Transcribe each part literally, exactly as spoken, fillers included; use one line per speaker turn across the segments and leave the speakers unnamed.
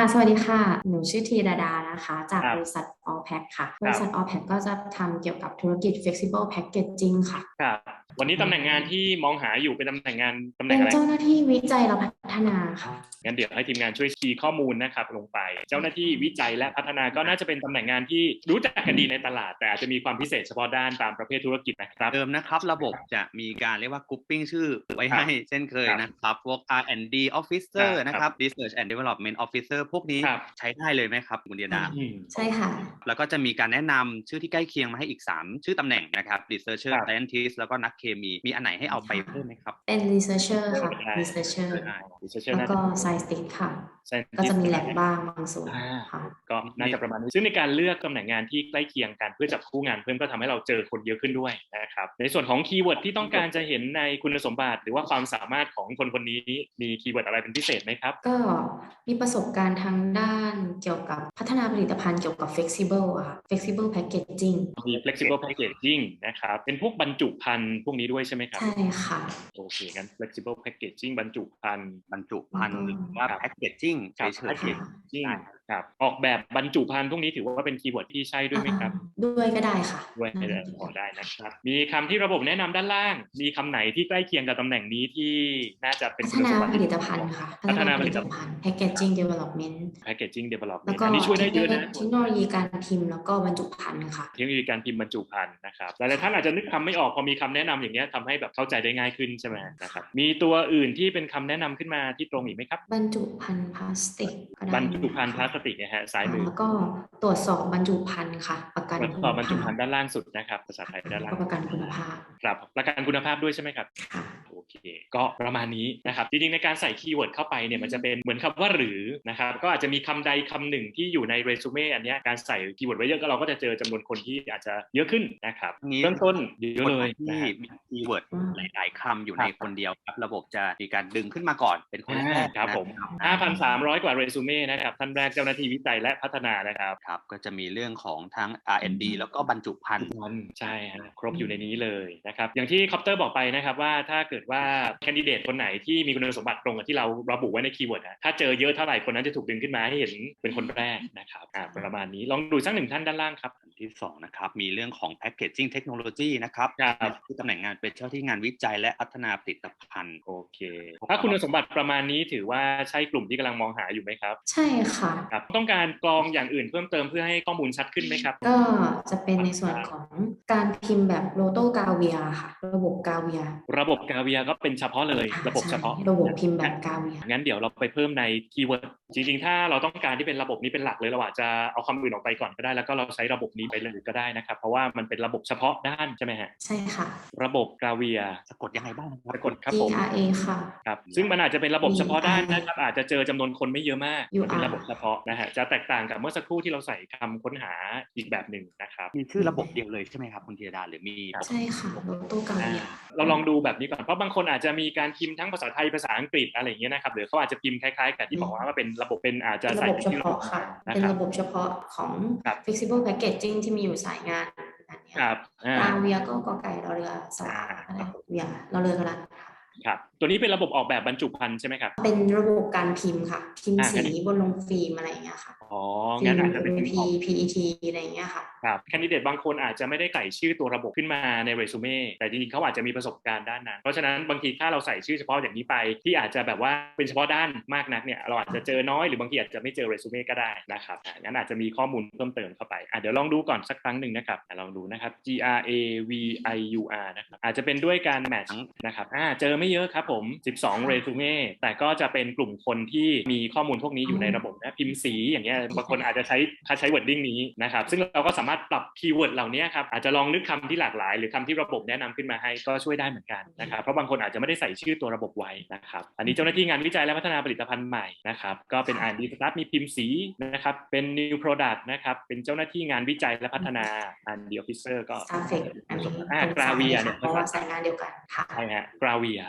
สวัสดีค่ะหนูชื่อธีรดานะคะจาก
ครับ
บริษัท All Pack ค่ะบริษัท
ครับ
All Pack ก็จะทำเกี่ยวกับธุรกิจ Flexible Packaging ค่ะ
ครับวันนี้ตำแหน่งงานที่มองหาอยู่เป็นตำแหน่งงานตำแหน่งอะไร
เป็นเจ้าหน้าที่วิจัยและพัฒนาค่ะ
งั้นเดี๋ยวให้ทีมงานช่วยคีย์ข้อมูลนะครับลงไปเจ้าหน้าที่วิจัยและพัฒนาก็น่าจะเป็นตำแหน่งงานที่รู้จักกันดีในตลาดแต่อาจจะมีความพิเศษเฉพาะด้านตามประเภทธุรกิจนะครับ
เดิมนะครับระบบจะมีการเรียกว่ากรุ๊ปปิ้งชื่อไว้ให้เช่นเคยนะครับพวก อาร์ แอนด์ ดี Officer นะครับ Research and Development Officer พวกนี้ใช้ได้เลยไหมครับคุณเดียดา
ใช่ค่ะ
แล้วก็จะมีการแนะนำชื่อที่ใกล้เคียงมาให้อีกสามชื่อตำแหน่งนะครับ Researcher Scientist แล้วก็นักเคมีมีอันไหนให้เอาไปเพิ่มไหมครับ
เป็น Researcher ค่ะ Researcher แล้วก็ Scientist ค่ะก็จะมีแลบบ้างบางส่วนค่ะ
ก็น่าจะประมาณนี้ซึ่งในการเลือกตำแหน่งงานที่ใกล้เคียงกันเพื่อจับคู่งานเพิ่มก็ทำให้เราเจอคนเยอะขึ้นด้วยนะครับในส่วนของคีย์เวิร์ดที่ต้องการจะเห็นในคุณสมบัติหรือว่าความสามารถของคนคนนี้มีคีย์เวิร์ดอะไรเป็นพิเศษไหมครับ
ก็มีประสบการณ์ทางด้านเกี่ยวกับพัฒนาผลิตภัณฑ์เกี่ยวกับ flexible อะค่ะ flexible packaging
มี flexible packaging นะครับเป็นพวกบรรจุภัณฑ์พวกนี้ด้วยใช่ไหมครับ
ใช่ค่ะ
โอเคงั้น flexible packaging บรรจุภัณฑ์
บรรจุภัณฑ์หรือว่า packaging เฉยๆ
packaging ครับออกแบบบรรจุภัณฑ์พวกนี้ถือว่าเป็นคีย์เวิร์ดที่ใช่ด้วยไหมครับ
ด้วยก็ได้ค่ะ
ด้วยได้พอได้นะครับมีคำที่ระบบแนะนำด้านล่างมีคำไหนที่ใกล้เคียงกับตำแหน่งนี้ที่น่าจะเป็น
พัฒนาผลิตภัณฑ์ค่ะ
พัฒนาผลิตภัณฑ์
packaging development
packaging development
แล้วก็
อันนี้ช่วยได้เยอะนะ
เทคโนโลยีการพิมพ์แล้วก็บรรจุภัณฑ์ค่ะ
เทคโนโลยีการพิมพ์บรรจุภัณฑ์นะครับหลายๆท่านอาจจะนึกคำไม่ออกพอมีคำแนะนำอย่างเงี้ยทำให้แบบเข้าใจได้ง่ายขึ้นใช่ไหมนะครับมีตัวอื่นที่เป็นคำแนะนำขึ้นมาที่ตรงอีกไหมครับ
บรรจุภัณฑ์พลาสติก
บรรจุภัณฑ์พลาสติกนะฮะซ้ายมือ
แล้วก็ตรวจสอบบรรจุภัณฑ์ค่ะประกัน
ตรวจสอบบรรจุภัณฑ์ด้านล่างสุดนะครับภาษาไทยด้านล่าง
ประกันคุณภาพ
ครับประกันคุณภาพด้วยใช่ไหมครับโอเคก็ประมาณนี้นะครับจริงๆในการใส่คีย์เวิร์ดเข้าไปเนี่ยมันจะเป็นเหมือนคำว่าหรือนะครับก็อาจจะมีคำใดคำหนึ่งที่อยู่ในเรซูเม่อันนี้การใส่คีย์เวิร์ดไว้เยอะก็เราก็จะเจอจำนวนคนที่อาจจะเยอะขึ้นนะครับเริ่มต้นเยอะเลย
ที่มีคีย์เวิร์ดหลายๆคำอยู่ในคนเดียวครับระบบจะมีการดึงขึ้นมาก่อนเป็นคนแรก
ครับผม ห้าพันสามร้อย กว่าเรซูเม่นะครับท่านแรกเจ้าหน้าที่วิจัยและพัฒนานะครับ
ครับก็จะมีเรื่องของทั้ง อาร์ แอนด์ ดี แล้วก็บรรจุภัณฑ์
ใช่ฮะครบอยู่ในนี้เลยนะครับอย่างที่คอปเตอร์บอกไปนะครับว่าถ้าเกิดว่าแคนดิเดตคนไหนที่มีคุณสมบัติตรงกับที่เราระบุไว้ในคีย์เวิร์ดถ้าเจอเยอะเท่าไหร่คนนั้นจะถูกดึงขึ้นมาให้เห็นเป็นคนแรกนะครับประมาณนี้ลองดูสักหนึ่งท่านด้านล่างครับ
อันที่สองนะครับมีเรื่องของ packaging technology นะครับที่ตำแหน่งงานเป็นเจ้าที่งานวิจัยและพัฒนาผลิตภัณฑ์
โอเคถ้าคุณสมบัติประมาณนี้ถือว่าใช่กลุ่มที่กำลังมองหาอยู่ไหมครับ
ใช่ค่ะ
ครับต้องการกรองอย่างอื่นเพิ่มเติมเพื่อให้ข้อมูลชัดขึ้นไหมครับ
ก็จะเป็นในส่วนของการพิมพ์แบบโลโต้กาเวียค่ะระบบกาเวีย
ระบบกาเวียก็เป็นเฉพาะเลยระบบเฉพาะ
ระบบพิมพ์แบบกาเวีย
งั้นเดี๋ยวเราไปเพิ่มในคีย์เวิร์ดจริงๆถ้าเราต้องการที่เป็นระบบนี้เป็นหลักเลยเราอาจจะเอาคำอื่นออกไปก่อนก็ได้แล้วก็เราใช้ระบบนี้ไปเลยก็ได้นะครับเพราะว่ามันเป็นระบบเฉพาะด้านใช่ไหมฮะ
ใช่ค่ะ
ระบบกาเวีย
สะกดยังไงบ้าง
สะกดครับผม
จี อาร์ เอ ค่ะ
ครับซึ่งมันอาจจะเป็นระบบเฉพาะด้านนะครับอาจจะเจอจำนวนคนไม่เยอะมากมันเป็นระบบเฉพาะนะฮะจะแตกต่างกับเมื่อสักครู่ที่เราใส่คำค้นหาอีกแบบหนึ่งนะครับ
มีชื่อระบบเดียวเลยใช่ไหมครับคุณธีรดาหรือมี
ใช่ค่ะโลโต้กาเวีย
เราลองดูแบบนี้ก่อนเพราะบางคนอาจจะมีการพิมพ์ทั้งภาษาไทยภาษาอังกฤษอะไรอย่างเงี้ยนะครับหรือเขาอาจจะพิมพ์คล้ายๆกับที่บอกว่าเป็นระบบเป็นอาจจะ
ใส่ระบบเฉพาะค่ะเป็นระบบเฉพาะของ flexible packaging ที่มีอยู่สายงาน
ครับ
กาเวียก็กอไก่รอเรือสระอะไรเวียรอเรือกระดาษ
ครับตัวนี้เป็นระบบออกแบบบรรจุภัณฑ์ใช่ไหมครับ
เป็นระบบการพิมพ์ค่ะพิมพ์สีบนลงฟิล์มอะไรอย่างเงี้ยค่ะ
อ๋องั้นอาจจะเป็น
พี พี อี ที อะไรอย่างเงี้ยค่ะ
ครับแคนดิเดตบางคนอาจจะไม่ได้ใส่ชื่อตัวระบบขึ้นมาในเรซูเม่แต่จริงๆเขาอาจจะมีประสบการณ์ด้านนั้นเพราะฉะนั้นบางทีถ้าเราใส่ชื่อเฉพาะอย่างนี้ไปที่อาจจะแบบว่าเป็นเฉพาะด้านมากนักเนี่ยเราอาจจะเจอน้อยหรือบางทีอาจจะไม่เจอเรซูเม่ก็ได้นะครับงั้นอาจจะมีข้อมูลเพิ่มเติมเข้าไปอ่ะเดี๋ยวลองดูก่อนสักครั้งหนึ่งนะครับลองดูนะครับ G R A V I U R นะครับอาจจะเป็นด้วยการแมทช์นะครับอ่าเจอไม่เยอะครับผมสิบสองเรซูเม่แต่ก็จะเป็นกลุ่มคนที่มีข้อมูลพวกนี้อยู่ในระบบนะพิมพ์สีอย่างเงี้ยบางคนอาจจะใช้ใช้ wording นี้นะครับซึ่งเราก็สามารถปรับคีย์เวิร์ดเหล่านี้ครับอาจจะลองนึกคำที่หลากหลายหรือคำที่ระบบแนะนำขึ้นมาให้ก็ช่วยได้เหมือนกันนะครับเพราะบางคนอาจจะไม่ได้ใส่ชื่อตัวระบบไว้นะครับอันนี้เจ้าหน้าที่งานวิจัยและพัฒนาผลิตภัณฑ์ใหม่นะครับก็เป็น อาร์ แอนด์ ดี Start มีพิมพ์สีนะครับเป็น New Product นะครับเป็นเจ้าหน้าที่งานวิจัยและพัฒนา อาร์ แอนด์ ดี Officer ก็
Starflex อันนี้
อ่ากราเวียเนี่ย
เพราะว่าสายงานเดียวกันค่ะ
ใช่ฮะกราเวีย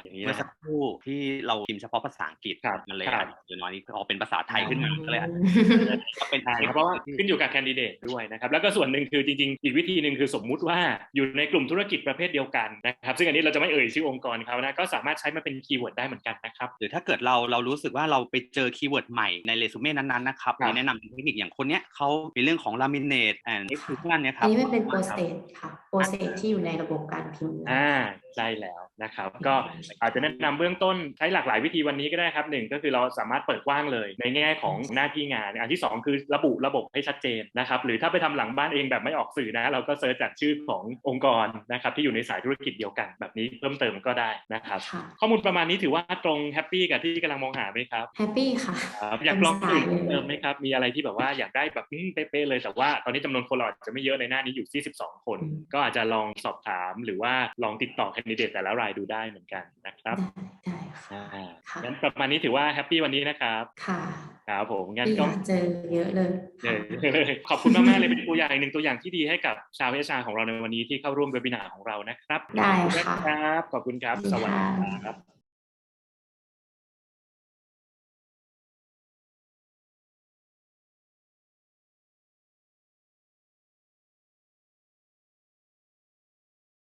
อย่างนี้
เมื่อสักครู่ที่เราพิมพ์เฉพาะภาษาอังกฤษมันเลยอาจจะน้อยนี้พอเป็นภาษาไทยขึ้นมาก็เลยอาจจะเป็น
ใช่ครับเพราะว่าขึ้นอยู่กับแคนดิเดตด้วยนะครับแล้วก็ส่วนหนึ่งคือจริงๆอีกวิธีหนึ่งคือสมมุติว่าอยู่ในกลุ่มธุรกิจประเภทเดียวกันนะครับซึ่งอันนี้เราจะไม่เอ่ยชื่อองค์กรเขานะก็สามารถใช้มาเป็นคีย์เวิร์ดได้เหมือนกันนะครับ
หรือถ้าเกิดเราเรารู้สึกว่าเราไปเจอคีย์เวิร์ดใหม่ในเรซูเม่นั้นๆนะครับมีแนะนำเทคนิคอย่างคนเนี้ยเขามีเรื่องของ laminate and extrusion เนี่ยครับ
อันนี้มันเป็นโปรเซสค่ะโปรเซสที่อยู่ในระบบการพิมพ์
อ่าใช่แล้วนะครับก็อาจจะแนะนำเบื้องต้นใช้หลากหลายวิธีวันนี้ก็ได้ครับหนึ่งก็คือเราสามารถเปิดกว้างเลยในแง่ของหน้าที่งานอันที่สองคือระบุระบบให้ชัดเจนนะครับหรือถ้าไปทำหลังบ้านเองแบบไม่ออกสื่อนะเราก็เซิร์ชจากชื่อขององค์กรนะครับที่อยู่ในสายธุรกิจเดียวกันแบบนี้เพิ่มเติมก็ได้นะครับข้อมูลประมาณนี้ถือว่าตรงแฮปปี้กับที่กำลังมองหาไหมครับ
แฮปปี้ค่ะ
อยากลองอื่นเติมไหมครับมีอะไรที่แบบว่าอยากได้แบบเป๊ะๆเลยแต่ว่าตอนนี้จำนวนคนเราอาจจะไม่เยอะในหน้านี้อยู่ที่สิบสองคนก็อาจจะลองสอบถามหรือว่าลองติดต่อแคนดิเดตแต่ละรายดูได้เหมือนกันนะครับ
ได้ค่ะ
งั้นประมาณนี้ถือว่าแฮปปี้วันนี้นะครับ
ค่ะ
ครับผมงั้นก็
เจอเยอะเลย
ขอบคุณมากๆเลยเป็นตัวอย่างหนึ่งตัวอย่างที่ดีให้กับชาวเอชอาร์ของเราในวันนี้ที่เข้าร่วมเวบินาร์ของเรานะครับ
ได้ค่ะ
ครับขอบคุณครับสวัสดีครับ